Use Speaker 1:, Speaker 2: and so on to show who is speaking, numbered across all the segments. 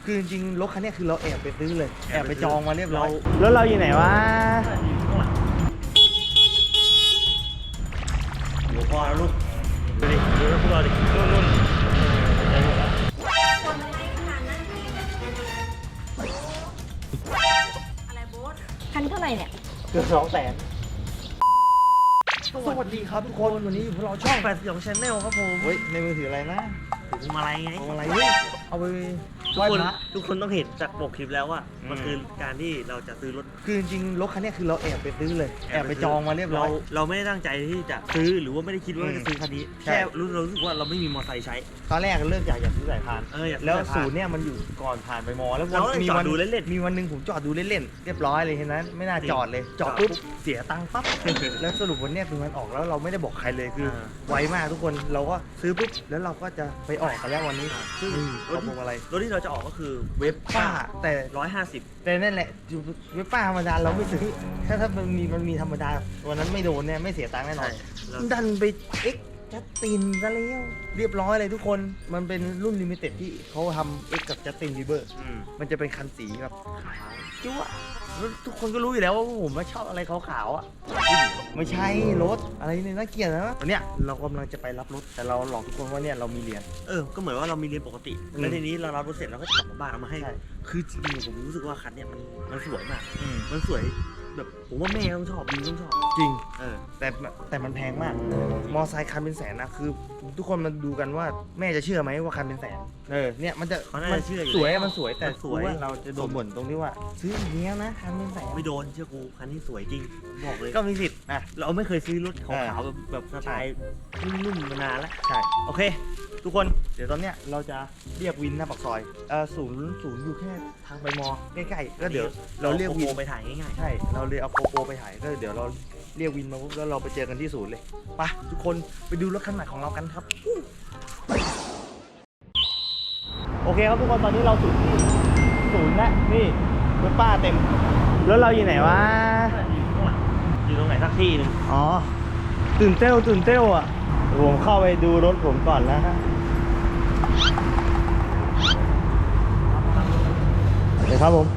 Speaker 1: คือจริงๆรถคันนี้คือเราแอบไปซื้อเลยแอบไปจองมาเรียบร้อยแล้วเราอยู่ไหนวะ
Speaker 2: หลวงพ่อลูกดูดิดูพวกเราดินุ่นได้หมดแล้ว
Speaker 3: อะไรโบ๊ทคันเท่าไหร่เนี่ย
Speaker 1: เกือบ200,000สวัสดีครับทุกคนวันนี้อยู่พวกเราช่อง
Speaker 2: 82 Channel ครับผม
Speaker 1: เฮ้ยในมือถืออะไรนะ
Speaker 2: ถึงมาอะไรไง
Speaker 1: เอาอะไรเฮ้ยเอาไป
Speaker 2: ทุ
Speaker 1: ไห
Speaker 2: ก
Speaker 1: ว้
Speaker 2: คน
Speaker 1: พระ
Speaker 2: ทุกคนต้องเห็นจากปกคลิปแล้วว่า
Speaker 1: อืม
Speaker 2: มันคือการที่เราจะซื้อรถ
Speaker 1: คือจริงๆรถคันนี้คือเราแอบไปซื้อเลยแอบไปจองมาเรียบร้อย
Speaker 2: เราไม่ได้ตั้งใจที่จะซื้อหรือว่าไม่ได้คิดว่าจะซื้อคันนี้
Speaker 1: ใช่
Speaker 2: แค่เรารู้สึกว่าเราไม่มีมอเตอร์ไซค์ใช้
Speaker 1: ตอนแรกเริ่มอยากซื้อสายพาน
Speaker 2: อยากซื้อ
Speaker 1: แล้ว
Speaker 2: สายพาน
Speaker 1: ศูนย์เนี่ยมันอยู่ก่อนผ่านไปมอแล้ว
Speaker 2: เราก็เลยจอดดูเล่นๆ
Speaker 1: มีวันหนึ่งผมจอดดูเล่นๆเรียบร้อยเลยเห็นนั้นไม่น่าจอดเลยจอดปุ๊บเสียตังค์ปั๊บ แล้วสรุปวันเนี้ยคือมันออกแล้วเราไม่ได้บอกใครเลยคือไวมากทุกคนเราก็ซื้อปุ๊บแล้วเราก็จะไปออกกันแล้ววันนี้ซึ่งรถพวงอะไร
Speaker 2: รถที่เราจะออกก็คือ
Speaker 1: เว็บป้าแต่
Speaker 2: 150
Speaker 1: แต่นั่นแหละเว็บป้าธรรมดาเราไม่ซื้อถ้ามันมีธรรมดาวันนั้นไม่โดนเนี่ยไม่เสียตังค์แน่นอน
Speaker 2: แล้ว
Speaker 1: ดันไปเอ็กจัสตินซะแล้วเรียบร้อยเลยทุกคนมันเป็นรุ่นลิมิเต็ดที่เขาทำเอ็กกับจัสตินบีเบอร์มันจะเป็นคันสีแบบขาวจั๊วแล้วทุกคนก็รู้อยู่แล้วว่าผมชอบอะไรขาวๆอ่ะไม่ใช่รถอะไรเนี่ยน่าเกลียดนะวันเนี้ยเรากำลังจะไปรับรถแต่เราหลอกทุกคนว่าเนี่ยเรามีเหรียญ
Speaker 2: ก็เหมือนว่าเรามีเรียนปกติ
Speaker 1: อืม
Speaker 2: แล้วทีนี้เรารับรถเสร็จเราก็จะกลับมาบ้านเอามาให้
Speaker 1: ใช่
Speaker 2: คือจริงๆผมรู้สึกว่าคันเนี้ยมันสวยมาก มันสวยแบบผมว่าแม่ต้องชอบบิวต้องชอบ
Speaker 1: จริง แต่มันแพงมาก มอไซค์คันเป็นแสนนะคือ ทุกคนมาดูกันว่าแม่จะเชื่อไหมว่าคันเป็นแสนเนี่ยมันจะ
Speaker 2: เขาน่าจะเชื่ออยู่
Speaker 1: สวยมันสวยแต่
Speaker 2: มันสวย
Speaker 1: รู้ว่าเราจะโดนบ่นตรงที่ว่า ซื้ออย่างเงี้ยนะคันเป็นแสน
Speaker 2: ไม่โดนเชื่อกูคันนี้สวยจริงบอกเลย
Speaker 1: ก็มีสิทธิ์นะ
Speaker 2: เราไม่เคยซื้อรถขาวๆแบบสไตล์นุ่มๆมานานแล้ว
Speaker 1: ใช่โอเค ทุกคนเดี๋ยวตอนเนี้ยเราจะเรียกวินหน้าปากซอยศูนย์อยู่แค่ทางไปมอใกล้ๆก็เดี๋ยวเราเรียกวิน
Speaker 2: โไปถ่ายง่าย
Speaker 1: ใช่เราเลยเอาโกโปรไปถ่ายก็เดี๋ยวเราเรียกวินมาปุ๊บแล้วเราไปเจอกันที่ศูนย์เลยไปทุกคนไปดูรถคันใหม่ของเรากันครับโอเคครับทุกคนตอนนี้เราถึงที่ศูนย์แล้วนี่รถป้าเต็มแล้วเราอยู่ไหนวะ
Speaker 2: ๆอยู่ตรงไหนสักที่หนึง
Speaker 1: อ๋อตื่นเต้วอ่ะผมเข้าไปดูรถผมก่อนแล้วฮะเดี๋ยวครับผม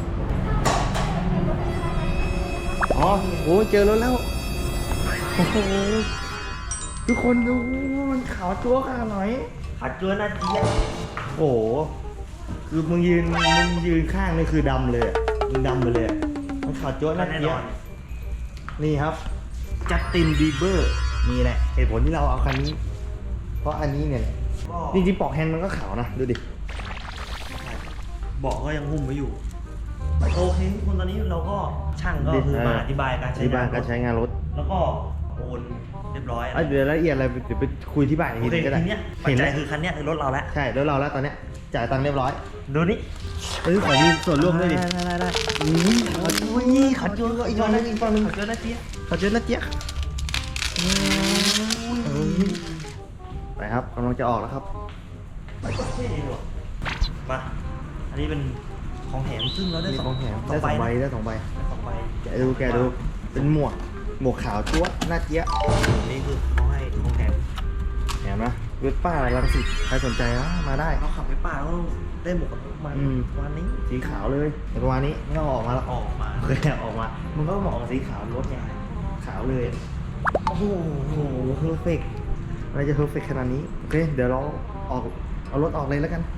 Speaker 1: อ๋อโหเจอรถแล้วโอ้โหทุกคนดูมันขาวจั๊วขนาดไหน
Speaker 2: ขัดจวนนะเจี๊ยบ
Speaker 1: โอ้โหคือมึงยืนข้างนี่คือดำเลยอะมึงดำไปเลยอะมันขาวจั๊วน่า
Speaker 2: แน่
Speaker 1: เกลี
Speaker 2: น
Speaker 1: ย
Speaker 2: อ
Speaker 1: ด
Speaker 2: น
Speaker 1: นี่ครับจัสตินบีเบอร์นี่แหละเหตุผลที่เราเอาคันนี้ เพราะอันนี้เนี่ยจริงๆปลอกแฮนด์มันก็ขาวนะดูดิ
Speaker 2: บอกก็ยังหุ้มไว้อยู่โอเคทุกคนตอนนี้เราก็ช่างก็คือมาอธิบายการใช้
Speaker 1: ที่บ้านการใช้งานรถ
Speaker 2: แล้วก็โอนเรียบร้อย
Speaker 1: เดี๋ยวรายละเอียดอะไรเดี๋ยวไปคุยที่บ้านอีก
Speaker 2: โอ
Speaker 1: ที
Speaker 2: เค
Speaker 1: ก็ได้
Speaker 2: ทีเนี้ยปัจ
Speaker 1: เห็น
Speaker 2: จั
Speaker 1: แล้
Speaker 2: ยว คือคันเนี้ยคือรถเราแล้ว
Speaker 1: ใช่แล้วเราแล้วตอนเนี้ยจ่ายตังค์เรียบร้อย
Speaker 2: ดูนี่
Speaker 1: ขอมีส่วนร่วมด้วยดิ
Speaker 2: ได้
Speaker 1: อุ้ยขอจูนก็อีกฝั่งนึงอีกฝั่งนึง
Speaker 2: ขอเจอนะเจี๊ยบ
Speaker 1: ขอจูนนะเจี๊ยบไปครับกำลังจะออกแล้วครับ
Speaker 2: เท่ดีว่ะมาอันนี้เป็นของแถมซึ่งเราได้
Speaker 1: มี
Speaker 2: สอง
Speaker 1: ของแถม
Speaker 2: สอ
Speaker 1: ได้
Speaker 2: ง
Speaker 1: ส
Speaker 2: ใบ
Speaker 1: องใบ
Speaker 2: นะ
Speaker 1: ได้สองใบ
Speaker 2: ได้สองใบ
Speaker 1: แกะดูเป็นหมวกขาวจั๊วหน้าเจี๊ยบ
Speaker 2: นี่คือเขาให้ของแถม
Speaker 1: เห็นไหมเวสป้าลังสิตใครสนใจมาได้
Speaker 2: เราขับไปป่าเราได้หมวกกันน็อกมา
Speaker 1: อืม
Speaker 2: วันนี้
Speaker 1: สีขาวเลยแต่ประมาณนี้ไม่ต้องออกมาแล้ว
Speaker 2: ออกมา
Speaker 1: เคยออกมา มันก็เหมาะกับสีขาวรถไงขาวเลย โอ้โหเพอร์เฟกอะไรจะเพอร์เฟกขนาดนี้ โอเค เดี๋ยวเราเอารถออกเลยแล้วกัน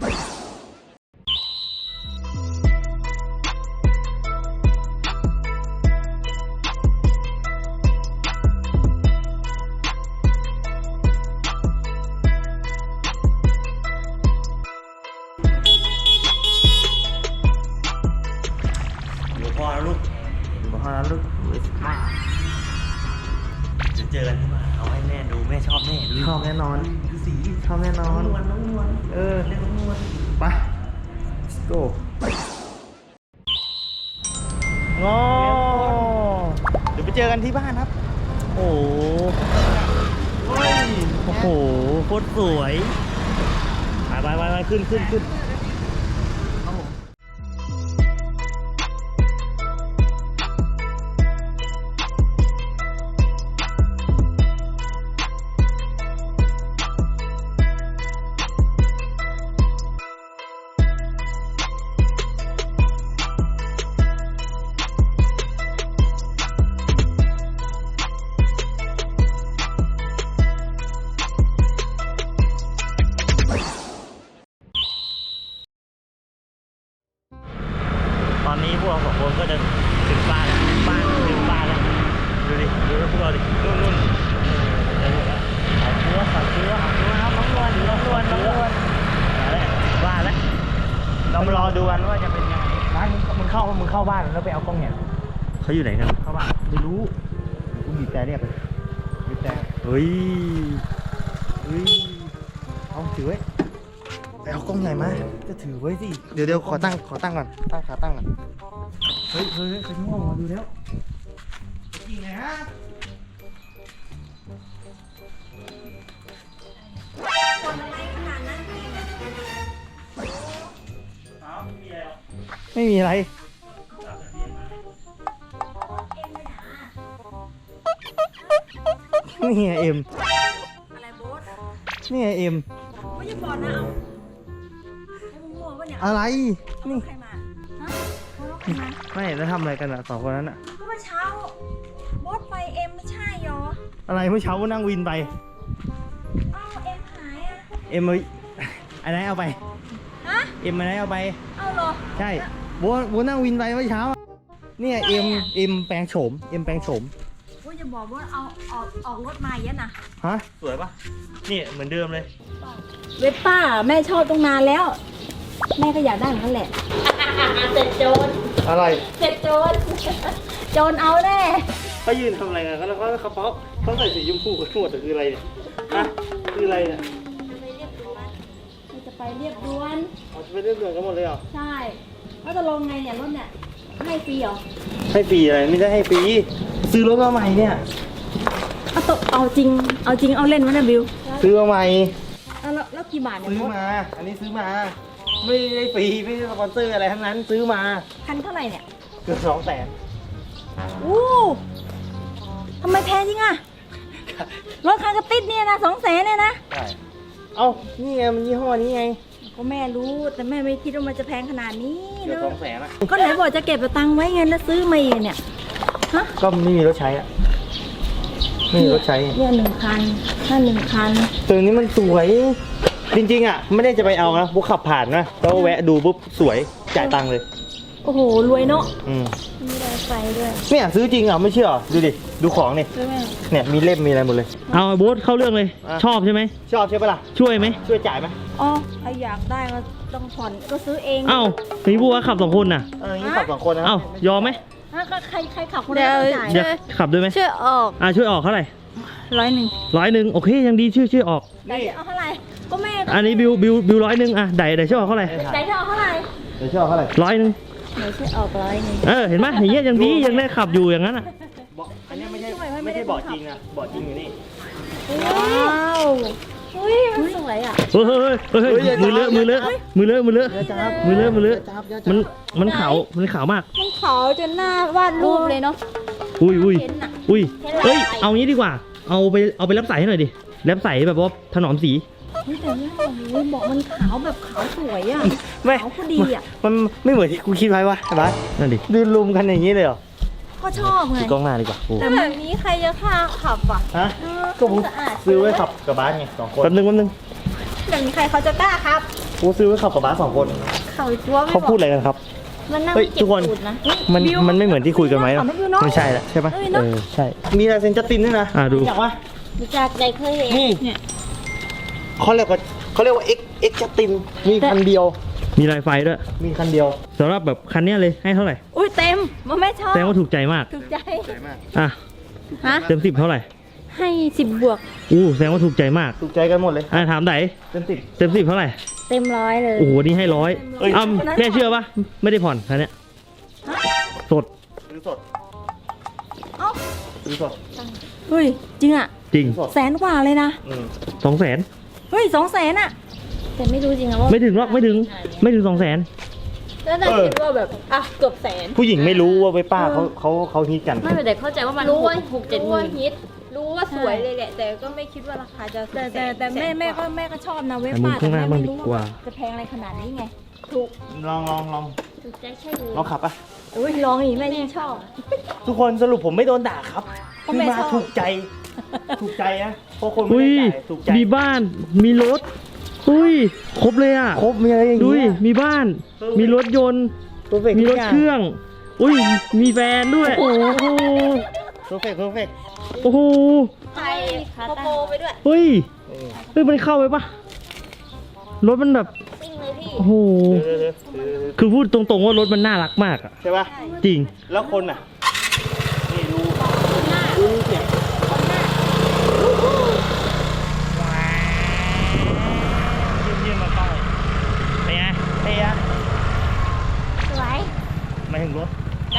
Speaker 2: หลวงพ่อแล้วลูก
Speaker 1: มาห้าลูกเวสป้า
Speaker 2: เดี๋ยวเจอกันที่บ้านเอาให้แม่ดูแม่ชอบแน่ดู
Speaker 1: ชอบแน่นอน
Speaker 2: ดูสี
Speaker 1: ชอบแน่นอน
Speaker 2: น้องนวล
Speaker 1: เออ
Speaker 2: เรียกน้องนวล
Speaker 1: ไป let's go งอเดี๋ยวไปเจอกันที่บ้านครับ
Speaker 2: โอ้โหเฮ้ยโอ้โหโคตรสวยไปขึ้นครับผมอนนี้พวกเราสองคนก็จะถึงบ้านแล้วบ้านถึงบ้านแล้วดูดิดูพวกเราดินู่นขายเชื้อครับน้องนวลมาแล้วบ้านแล้วเรามารอดูกันว่าจะเป็นยังไงร้านมึงเข้าบ้านแล้วไปเอากล้องเนี่ยเขาอยู่ไหนกันเข้าบ้านไม่รู้กูบีบแต่เรียกเลยบีบแต่เฮ้ยเอาถือไว้ไปเอากล้องใหญ่มาจะถือไว้สิเดี๋ยวขอตั้งก่อนตั้งขาตั้งก่อนเฮ้ยใครที่ห้องมาดูแล้วจริงไงฮะ
Speaker 3: คนอะไรขนาดนั้นเนี่ย
Speaker 2: ไม่มีอะไร นี่ไงเอ็ม
Speaker 3: อะไรโบ๊ท
Speaker 2: นี่ไงเอ็ม
Speaker 3: ไม่จะบอกนะเอาให้มึงมั่วปะเนี่ย
Speaker 2: อะไร
Speaker 3: เอารถใครมาฮะเอารถใครมา
Speaker 2: ไม่แล้วทำอะไรกันอ่ะ2 คนนั้นอ่ะ
Speaker 3: ก็เมื่อเช้าโบ๊ทไปเอ็มไม่ใช่หรอ
Speaker 2: อะไรเมื่อเช้าก็นั่งวินไป
Speaker 3: อ้าวเอ็มหายอ่ะ
Speaker 2: เอ็มอันไหนเอาไป
Speaker 3: ฮะ
Speaker 2: เอ็มอันไหนเอาไป
Speaker 3: เอาเหรอ
Speaker 2: ใช่โบนั่งวินไปเมื่อเช้า เนี่ยเอ็มแปลงโฉมเอ็มแปลงโฉม
Speaker 3: โบ๊ทจะบอกว่าเอาออกรถมาเยอะนะ
Speaker 2: ฮะ สวยปะนี่เหมือนเดิมเลย
Speaker 3: เวสป้าแม่ชอบตรงนานแล้ว แม่ก็อยากได้เหมือนกันแหละเสร็จโจร
Speaker 2: อะไร
Speaker 3: เสร็จโจรโจรเอาแน่
Speaker 2: เขายืนทำอะไรกันแล้วเขาใส่สีชมพูกันหมดแต่คืออะไรเนี่ยฮะคืออะไรเนี่ย
Speaker 3: จะไปเรียบด่วน
Speaker 2: เอาจะไปเรื่องเดือดกันหมดเลยเหรอ
Speaker 3: ใช่แล้วจะลงไงเนี่ยรถเนี่ยให้ฟรีเหรอ
Speaker 2: ให้ฟรีอะไรไม่ได้ให้ฟรีซื้อรถมาใหม่เนี่ย
Speaker 3: เอาจริงเอาเล่นวะเนี่ยบิว
Speaker 2: ซื้อมาใหม่
Speaker 3: แล้วกี่บาทเนี่ย
Speaker 2: ซื้อ
Speaker 3: โบ๊ท
Speaker 2: มา อันนี้ซื้อมา ไม่ได้ฟรีไม่ได้สปอนเซอร์อะไรทั้งนั้นซื้อมา
Speaker 3: คันเท่าไหร่เนี่ย
Speaker 2: เกือบ200,000
Speaker 3: อู้ทำไมแพงจริงอะรถคันกระติดเนี่ยนะ200,000เนี่ยนะ
Speaker 2: ใช่เอ้านี่ไงมันยี่ห้อนี้ไง
Speaker 3: ก็แม่รู้แต่แม่ไม่คิดว่ามันจะแพงขนาดนี้
Speaker 2: เกือบ
Speaker 3: เนอะ
Speaker 2: 200,000อะ
Speaker 3: ก็ไหนบอกจะเก็บตังค์ไว้ไงแล้วซื้อมาอีกเนี่ยฮะ
Speaker 2: ก็ไม่มีรถใช้อะไม่มีรถใช้
Speaker 3: เนี่ย1 คันถ้า1 คัน
Speaker 2: ตัวนี้มันสวย จริงๆอะไม่ได้จะไปเอานะบุ๊กขับผ่านนะแล้วแวะดูปุ๊บสวยจ่ายตังค์เลย
Speaker 3: โอ้โหรวยเนาะ
Speaker 2: อืม
Speaker 3: มีได้ไฟด้วย
Speaker 2: เนี่ยซื้อจริงอ่ะไม่เชื่อเหรอดูดิดูของนี่
Speaker 3: ใช่ไหม
Speaker 2: เนี่ยมีเล่มมีอะไรหมดเลย
Speaker 4: เอาโบ๊ทเข้าเรื่องเลย
Speaker 2: อ่ะ
Speaker 4: ชอบใช่ไหม
Speaker 2: ชอบใช่ปะล่ะ
Speaker 4: ช่วยไหม
Speaker 2: ช่วยจ่ายไหม
Speaker 3: อ๋อใครอยากได้ก็ต้องผ่อนก็ซื้อเอง
Speaker 4: เอ้ามีบัวขับ2 คนน่ะ
Speaker 2: งี้ขับ2 คนนะ
Speaker 4: เอ้ายอมไหม
Speaker 3: ฮะก็ใครขับคนละต้องจ่าย
Speaker 4: เดี๋ยวขับด้วยไหม
Speaker 3: ช่วยออก
Speaker 4: ช่วยออกเท่าไหร่
Speaker 3: 100
Speaker 4: 100โอเคยังดีช่วยออก
Speaker 3: ไหนจะเอาเท่าไหร่ก็แม่
Speaker 4: อันนี้บิว100อ่ะไดช่วยออกเท่าไหร่
Speaker 3: ไหนจะเอาเท่าไหร่
Speaker 2: เดี๋ยวชอบเท่าไหร่
Speaker 4: 100
Speaker 3: ไหนช่วยออก100
Speaker 4: เห็นไหมอย่างเงี้ยยังดียังได้ขับอยู่อย่างนั้นอ่ะ
Speaker 2: อันนี้ไม่ใช่เบาะจริงนะเบาะจริงอยู่นี่
Speaker 3: ว้าวอุ้ยมันสวยอ่ะ
Speaker 4: เฮ้ยมือเลอะมือเลอะมันขาวมาก
Speaker 3: มันขาวจนหน้าวาดรูปเลยเนาะ
Speaker 4: อุ้ย
Speaker 3: เห็นน่ะ
Speaker 4: เอ้ยเอางี้ดีกว่าเอาไปรับสายให้หน่อยดิรับสายแบบว่าถนอมสี
Speaker 3: เฮ้ยแต่เนี่ยโอ้โหบอกมันขาวแบบขาวสวยอ่ะ
Speaker 2: ไม่
Speaker 3: ขาวพอดีอ่ะ
Speaker 2: มันไม่เหมือนที่กูคิดไว้วะใช่ปะ
Speaker 4: นั่นดิ
Speaker 2: ดูลุมกันอย่างนี้เลยเหรอ
Speaker 3: ก็ชอบไง
Speaker 4: ดูกล้องหน้าดีกว่าโอ้
Speaker 3: แต่แบบนี้ใครจะฆ่าขับอ่ะ
Speaker 2: ฮะ
Speaker 3: เออ
Speaker 2: ก็ผม
Speaker 3: สะอาด
Speaker 2: ซื้อไว้ขับกับบ้านไง2 คน
Speaker 4: แป๊บนึง
Speaker 3: แบบนี้ใครเขาจะกล้าครับ
Speaker 2: กูซื้อไว้ขับกับบ้าน2 คน
Speaker 3: เขาจัวไม่
Speaker 2: เขา
Speaker 3: บอ
Speaker 2: พูด
Speaker 3: ก
Speaker 2: อะไรกันครับ
Speaker 3: มันนั่ง
Speaker 2: เฮ้ย
Speaker 3: เก็
Speaker 2: ทุ
Speaker 3: บ
Speaker 2: กคน
Speaker 3: ตูดนะ
Speaker 2: มันไม่เหมือนที่คุยกันไหม
Speaker 3: เนาะ
Speaker 2: เนาะไม่ใช่ละใช่ปะ
Speaker 3: เอ้ยเนอะ
Speaker 2: ใช่มีลายเซ็นจัสตินด้วยนะ
Speaker 4: ดู
Speaker 2: รู้จักปะ
Speaker 3: รู้จักใจเคยเห็น
Speaker 2: นี่
Speaker 3: เนี่ย
Speaker 2: เขาเรียกว่า X จัสตินมีคันเดียว
Speaker 4: มีลายไฟด้วย
Speaker 2: มีคันเดียว
Speaker 4: สำหรับแบบคันเนี้ยเลยให้เท่าไหร่
Speaker 3: อุ้ยเต็มมันไม่ชอบ
Speaker 4: แสดงว่าถูกใจมาก
Speaker 3: ถูกใจ
Speaker 4: อ่ะ
Speaker 3: ฮะ
Speaker 4: เต็ม10เท่าไหร่
Speaker 3: ให้10 บวก
Speaker 4: แสดงว่าถูกใจมาก
Speaker 2: ถูกใจกันหมดเลย
Speaker 4: ถามไหน
Speaker 2: เต็ม
Speaker 4: เต็ม10เท่าไหร่
Speaker 3: เต็ม100เลย
Speaker 4: โอ้โหนี่ให้100
Speaker 2: เอ้ย
Speaker 4: แม่เชื่อปะไม่ได้ผ่อนคันเนี้ยสด
Speaker 2: ซื้อสด
Speaker 3: เอ้า
Speaker 2: ซื้อสด
Speaker 3: เฮ้ยจริงอ่ะ
Speaker 4: จริง
Speaker 2: ซื้อสด
Speaker 3: 100,000 กว่าเลยนะ
Speaker 4: 200,000
Speaker 3: เฮ้ย200,000อ่ะแต่ไม่รู้จริงอะว่า
Speaker 4: ไม่ถึงหรอกไม่ถึง200,000
Speaker 3: แล้วน่าคิดว่าแบบอ่ะเกือบแสน
Speaker 2: ผู้หญิงไม่รู้ว่าไว้ป้าเขาฮิตกัน
Speaker 3: ไม่เป็นไรเข้าใจว่ามันรู้ว่า6-7 หมื่นฮิตรู้ว่าสวยเลยแหละ แต่ก็ไม่คิดว่าราคาจะแต่แม่ก็ชอบนะเว็บ
Speaker 4: แต่มึง
Speaker 3: ป้า
Speaker 4: ข้างหน้า
Speaker 3: แต่แม่
Speaker 4: บ้าง
Speaker 3: ไม่
Speaker 4: ดี
Speaker 3: รู้
Speaker 4: กว่า
Speaker 3: ว่าจะแพงอะไรขนาดนี้ไงถูก
Speaker 2: ลอง
Speaker 3: ถูกใจใช่เลย
Speaker 2: ลองขับปะ
Speaker 3: อุ้ยลองอีกแม่ยิ่งชอบ
Speaker 2: ทุกคนสรุปผมไม่โดนด่าครับ
Speaker 3: เพราะแม่
Speaker 2: คือมา
Speaker 3: ชอบ
Speaker 2: ถูกใจนะเพราะคนไม่
Speaker 4: อุ้ย
Speaker 2: ได้จ่ายถูกใจ
Speaker 4: มีบ้านมีรถอุ้ยครบเลยอ่ะ
Speaker 2: ครบมีอะไรอย่าง
Speaker 4: ดู
Speaker 2: เงี้
Speaker 4: ดิ
Speaker 2: ย
Speaker 4: มีบ้าน มีรถยนต์
Speaker 1: perfect
Speaker 4: มีรถเครื่อง อุ้ย มีแฟนด้วย โอ้โห
Speaker 1: perfect perfect
Speaker 4: โอ้โห
Speaker 3: ใส่โปโปไปด้วย
Speaker 4: เฮ้ย เฮ้ย มันเข้าไปปะรถมันแบบ
Speaker 3: ซิ่งเลยพี่
Speaker 4: โอ้โห คือพูดตรงๆว่ารถมันน่ารักมากอะ
Speaker 1: ใช่ป่ะ
Speaker 4: จริง
Speaker 1: แล้วคนอ่ะ นี่ดูเสียง
Speaker 4: เยี่ยมๆมาต้องเป็นไง
Speaker 1: เฮีย
Speaker 3: สวย
Speaker 4: มาถึงรถ
Speaker 3: ได้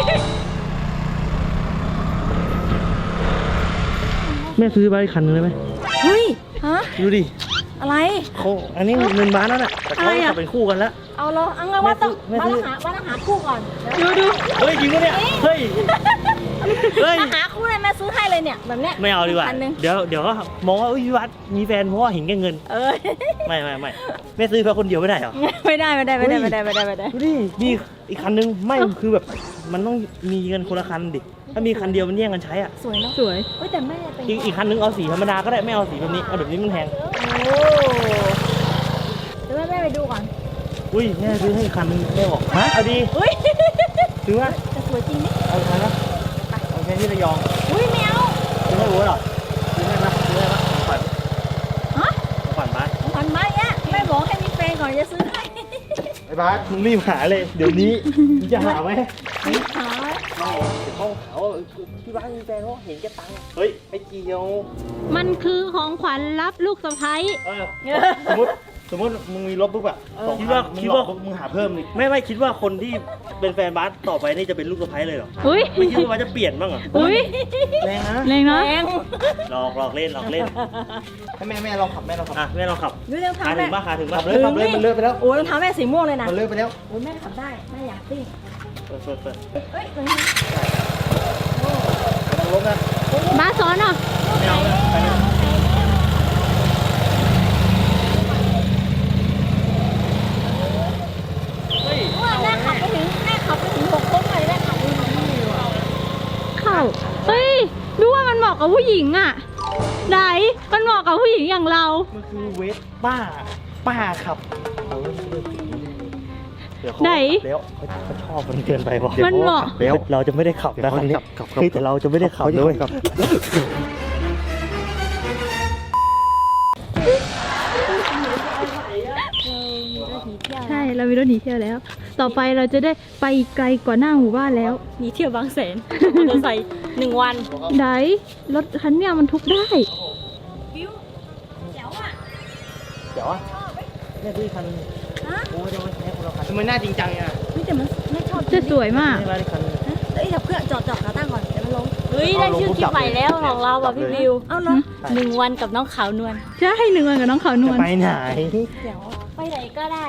Speaker 4: แม่ซื้อไปคันนึงได้ไหม
Speaker 3: เฮ้ย ฮะ
Speaker 4: ดูดิ
Speaker 3: อะไร
Speaker 4: เขาอันนี้เงินบ้านแล้วน่ะแต่เขา
Speaker 3: อะไรอะ
Speaker 4: ขับเป็นคู่กันแล้ว
Speaker 3: เอาเหรอเอางั้นว่าต้อง
Speaker 4: แม่
Speaker 3: มา
Speaker 4: ซื้อ
Speaker 3: หาคู่ก่อน ดู
Speaker 4: เฮ้ยจริงปะเนี่ย เฮ้ย เฮ้ย
Speaker 3: มาหาคู่เลยแม่ซื้อให้เลยเนี่ย แบบเนี้ย
Speaker 4: ไม่เอาดีกว่า
Speaker 3: คันหนึ่ง
Speaker 4: เดี๋ยวก็มองว่าอุ๊ยพี่วัดมีแฟนเพราะว่าเห็นแก่เงิน
Speaker 3: เออ
Speaker 4: ไม่แม่ซื้อเพื่อคนเดียวไม่ได้เหรอ
Speaker 3: ไม่ได้
Speaker 4: เฮ้ย ดูดิมีอีกคันนึงไม่คือแบบมันต้องมีเงินคนละคันดิ ถ้ามีคันเดียวมันแย่งกันใช้อ่ะ
Speaker 3: สวยเนาะ
Speaker 4: สวย
Speaker 3: เฮ้ยแต่แม่เป็น
Speaker 4: อีกคันนึงเอาสีธรรมดาก็ได้ไม่เอาสีแบบนี้เอาแบบนี้มันแพง
Speaker 3: โอ้เดี๋ยวแม่ไปดูก่อน
Speaker 4: อุ้ยแม่ซื้อให้อีกคันนึงแม่บอกฮะเอาดี
Speaker 3: อุ้ย
Speaker 4: ซื้อว่า
Speaker 3: แต่สวยจริงนี่
Speaker 4: เอาอีกคันนะเอาแค่ที่ระยอง
Speaker 3: อุ้ยแมว
Speaker 4: ซื้อให้รู้เหรอซื้อให้ปะฝัน
Speaker 3: ฮะ
Speaker 4: ฝันบ้าน
Speaker 3: ขวัญมาเนี่ยแม่บอกให้มีแฟนก่อนจะซื้อให้
Speaker 1: ไอ้บาส
Speaker 4: มึงรีบหาเลย เดี๋ยวนี้มึงจะหาไหม
Speaker 3: หา
Speaker 4: ไม่เดี๋ยวเขาหาว่าพี่บ้านมีแฟนเขาเห็นแกตังค์เฮ้ยไอ้เกียว
Speaker 5: มันคือของขวัญรับลูกสะใภ้
Speaker 1: สมมติมึงมีรถปุ๊บอะ
Speaker 4: คิดว่า
Speaker 1: มึงหาเพิ่มอีก
Speaker 4: ไม่คิดว่าคนที่เป็นแฟนบาสต่อไปนี่จะเป็นลูกสะใภ้เลยเหรอ
Speaker 5: อุ้ย
Speaker 4: ไม่คิดว่าบาสจะเปลี่ยนบ้างเหรอ
Speaker 5: อุ้ย
Speaker 1: แรงนะ
Speaker 5: แรงเนาะ
Speaker 3: แรง
Speaker 4: หลอกเล่น
Speaker 1: ให้แม่ลองขับแม่ลองขับ
Speaker 4: อ่ะแม่ลองขับ
Speaker 3: ดูเรื่อง
Speaker 4: หา
Speaker 3: เท้า
Speaker 4: ถึ
Speaker 3: แม่
Speaker 4: งบ้าหาถึงบ้า
Speaker 1: ขับเลยขับเลยมันเลิกไปแล้ว
Speaker 3: โอ้ยรองเท้าแม่สีม่วงเลยนะ
Speaker 1: มันเลิกไปแล้ว
Speaker 3: โอ้ยแม่ขับได้แม่อยากซิ่ง
Speaker 4: เปิด
Speaker 3: เฮ้ยตรงนี้
Speaker 1: รถนะ
Speaker 5: บ้าสอนเหรอ
Speaker 4: ไม่เอานะไปเลย
Speaker 3: แม่ขับไปถึง6 โค้งเลยแม่ขับไปถึงนี่ว่ะ
Speaker 5: เข้าเฮ้ยดูว่ามันเหมาะกับผู้หญิงอ่ะไหนมันเหมาะกับผู้หญิงอย่างเรา
Speaker 1: มันคือเวสป้าขับเดี๋ยวเขา
Speaker 5: ไหน
Speaker 1: เดี๋ยวเขาชอบมันเกินไปวะ
Speaker 5: มันเหมาะ
Speaker 1: เดี๋ยว
Speaker 4: เราจะไม่ได้ขับนะคันนี้
Speaker 1: ขับ
Speaker 4: เฮ้ยแต่เราจะไม่ได้ขับด้วย
Speaker 5: ใช่เรามีรถหนีเที่ยวแล้ว ต่อไปเราจะได้ไปไกลกว่าหน้าหมู่บ้านแล้ว
Speaker 3: หนีเที่ยวบางแสนมอเตอร์ไซค์1 วัน
Speaker 5: ไหนรถคันเนี้ยมันทุกได้
Speaker 3: วิวเจ๋วอ่ะ
Speaker 4: เดี๋ยวอ่ะแม่ซื้อคัน
Speaker 3: ฮะ
Speaker 4: โอ้ยจะไม่ใช้คนละคัน
Speaker 1: ทำไมหน้าจริงจังอ่ะ
Speaker 3: เฮ้ยแต่มันไม่ชอบ
Speaker 5: จะสวยมาก
Speaker 4: ไม่ได้คัน
Speaker 3: เฮ้ยเดี๋ยวเพื่อนจอดขาตั้งก่อนเดี๋ยวมันลงเฮ้ยได้ชื่อคลิปใหม่แล้วของเราอ่ะพี่วิวเอ้าเหรอ1 วันกับน้องขาวนวล
Speaker 5: ใช่1 วันกับน้องขาวนวล
Speaker 4: ไปไหน
Speaker 3: เดี๋ยวไปไหนก็ได้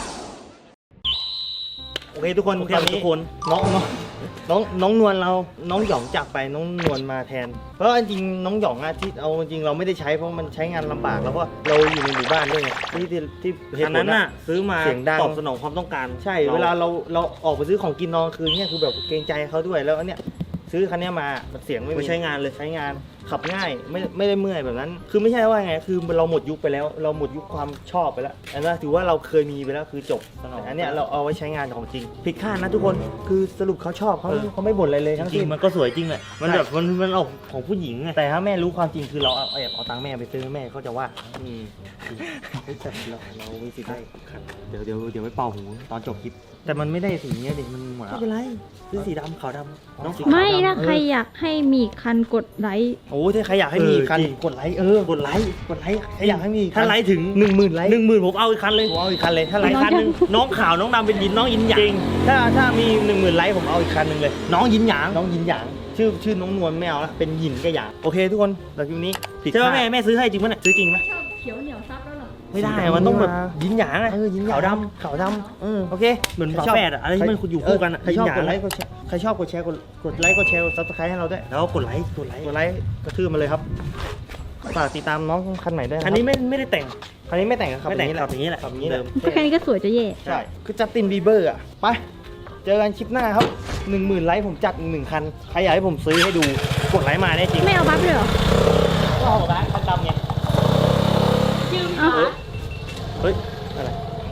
Speaker 1: โอเคทุกคน
Speaker 4: โอเค
Speaker 1: ตอนนี้
Speaker 4: ทุกคน
Speaker 1: น้องนวลเราน้องหยองจากไปน้องนวลมาแทน เพราะจริงๆน้องหยองอะที่เอาจริงเราไม่ได้ใช้เพราะมันใช้งานลำบากแล้วก็เราอยู่ในหมู่บ้านด้วยไงที่เหตุ
Speaker 4: อัน
Speaker 1: ผล
Speaker 4: นั้นน่ะซื้อมา
Speaker 1: เสียงดัง
Speaker 4: ตอบสนองความต้องการ
Speaker 1: ใช่เวลาเราออกไปซื้อของกินนอนคืนเนี่ยคือแบบเกรงใจเขาด้วยแล้วอันเนี้ยซื้อคันเนี้ยมาเสียงไม่
Speaker 4: ไม่
Speaker 1: มี
Speaker 4: ใช้งานเลย
Speaker 1: ใช้งานขับง่ายไม่ได้เมื่อยแบบนั้น คือไม่ใช่ว่าไงคือเราหมดยุคไปแล้ว เราหมดยุคความชอบไปแล้วอันนั้นถือว่าเราเคยมีไปแล้วคือจบ
Speaker 4: สนอง
Speaker 1: แต่อันเนี้ยเราเอาไว้ใช้งานของจริงผิดคาดนะทุกคนคือสรุปเขาชอบเขาไม่บ่นอะไรเลย
Speaker 4: จ
Speaker 1: ทั้ง
Speaker 4: ริง
Speaker 1: สิ้น
Speaker 4: ๆมันก็สวยจริงแหละมันแบบมันออกของผู้หญิงไง
Speaker 1: แต่ถ้าแม่รู้ความจริงคือเราแอบเอาตังค์แม่ไปซื้อแม่เขาจะว่าแต่เรามีสิทธิ์ได้เดี๋ยวไปเป่าหูตอนจบคลิปแต่มันไม่ได้สีเนี้ยดิมันหมดแล้วไม่เป็นไรซื้อสีดำขาวดำน้องสีขาว
Speaker 5: ไม่
Speaker 1: ดำ
Speaker 5: ถ้าใครอยากให้มีคันกดไลค์
Speaker 1: โอ้ถ้าใครอยากให้มีอีกคันกดไลค์กดไลค์ใครอยากให้มีอีก
Speaker 4: ถ้าไลค์ถึง
Speaker 1: 10,000ไลค์
Speaker 4: 10,000ผมเอาอีกคันเลย
Speaker 1: ผมเอาอีกคันเลยถ้า
Speaker 4: ไล
Speaker 1: ไลค์
Speaker 4: ค์คันหนึงน้องขาวน้องดำเป็นยินน้องยินหยาง
Speaker 1: จริงถ้ามี10,000ไลค์ผมเอาอีกคันหนึ่งเลย น้องยินหยางชื่อน้องนวลไม่เอาละเป็นหยินกับหยางโอเคทุกคนเราคลิปนี้ผิด
Speaker 4: ใช่ไหม
Speaker 1: คาด
Speaker 4: แม่ซื้อให้จริงมั้ยเนี่ยซื้อจริงไหม
Speaker 3: ชอบเขียวเหนียวซับแล้วเหรอ
Speaker 4: ไม่ได้มันต้องแบบยินหยางอะ
Speaker 1: ยินหยาง
Speaker 4: ขาวดำ
Speaker 1: โอเค
Speaker 4: เหมือนฝาแฝดอะอะไรที่มันอยู่คู่กันอะ
Speaker 1: ใครชอบ
Speaker 4: ยินหยาง
Speaker 1: กดไลค์กดแชร์ใครชอบกดแชร์กดไลค์กดแชร์กดซับสไครต์ให้เราด้วย
Speaker 4: แล้วกดไลค์
Speaker 1: กดไลค์กระทืบมาเลยครับฝากติดตามน้องคันใหม่ด้วยะ
Speaker 4: คันนี้ไม่ได้แต่ง
Speaker 1: คันนี้ไม่แต่งครับ
Speaker 4: ไม่แต่งขับอย่างนี้แหละ
Speaker 1: ขับอย่างนี้แหละ
Speaker 5: ก็แค่นี้ก็สวยจะแย่
Speaker 1: ใช่คือจัสตินบีเบอร์อ่ะไปเจอกันคลิปหน้าครับ 10,000ไลค์ผมจัดอีก1 คันใครอยากให้ผมซื้อให้ดูกดไลค์มาได้จริง
Speaker 5: ไม่เอาบัฟเลยเหรอ
Speaker 1: ก็เอาร้านเขาจำไง
Speaker 5: เอา
Speaker 1: เฮ้ยอะไร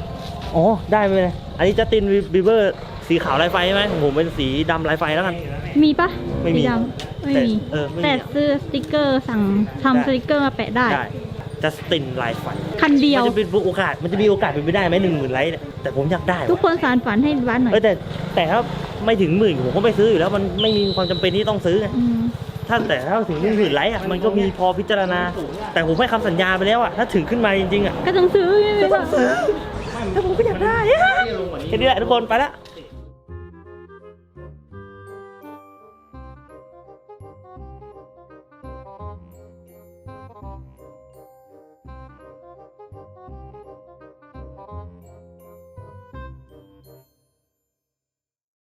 Speaker 4: อ๋อได้ไปเลยอันนี้จัสตินบีเบอร์สีขาวลายไฟใช่ไหมของผมเป็นสีดำลายไฟแล้วกัน
Speaker 5: มีปะ
Speaker 4: ไม่มี
Speaker 5: สีดำไม่มี
Speaker 4: ไม่มี
Speaker 5: แต่ซื้อสติกเกอร์สั่งทำสติกเกอร์มาแปะได้
Speaker 4: ได้จัสตินลายไฟ
Speaker 5: คันเดียว
Speaker 4: มันจะเป็นโอกาสมันจะมีโอกาสเป็นไปได้ไหม10,000 ไลค์เนี่ยแต่ผมอยากได้
Speaker 5: ทุกคนสารฝันให้บ้านหน่อย
Speaker 4: แต่ถ้าไม่ถึง10,000ผมก็ไม่ซื้ออยู่แล้วมันไม่มีความจำเป็นที่ต้องซื้อไง
Speaker 5: อืม
Speaker 4: ถ้าถึง10,000 ไลค์อ่ะมันก็มีพอพิจารณา แต่ผมให้คำสัญญาไปแล้วอ่ะถ้าถึงขึ้นมาจริงๆอ่ะ
Speaker 5: ก็ต้องซื้อใช่ไหม
Speaker 4: ก็ต้องซื้อแต่ผมก็อยากได้แค่นี้แหละทุกคนไปละ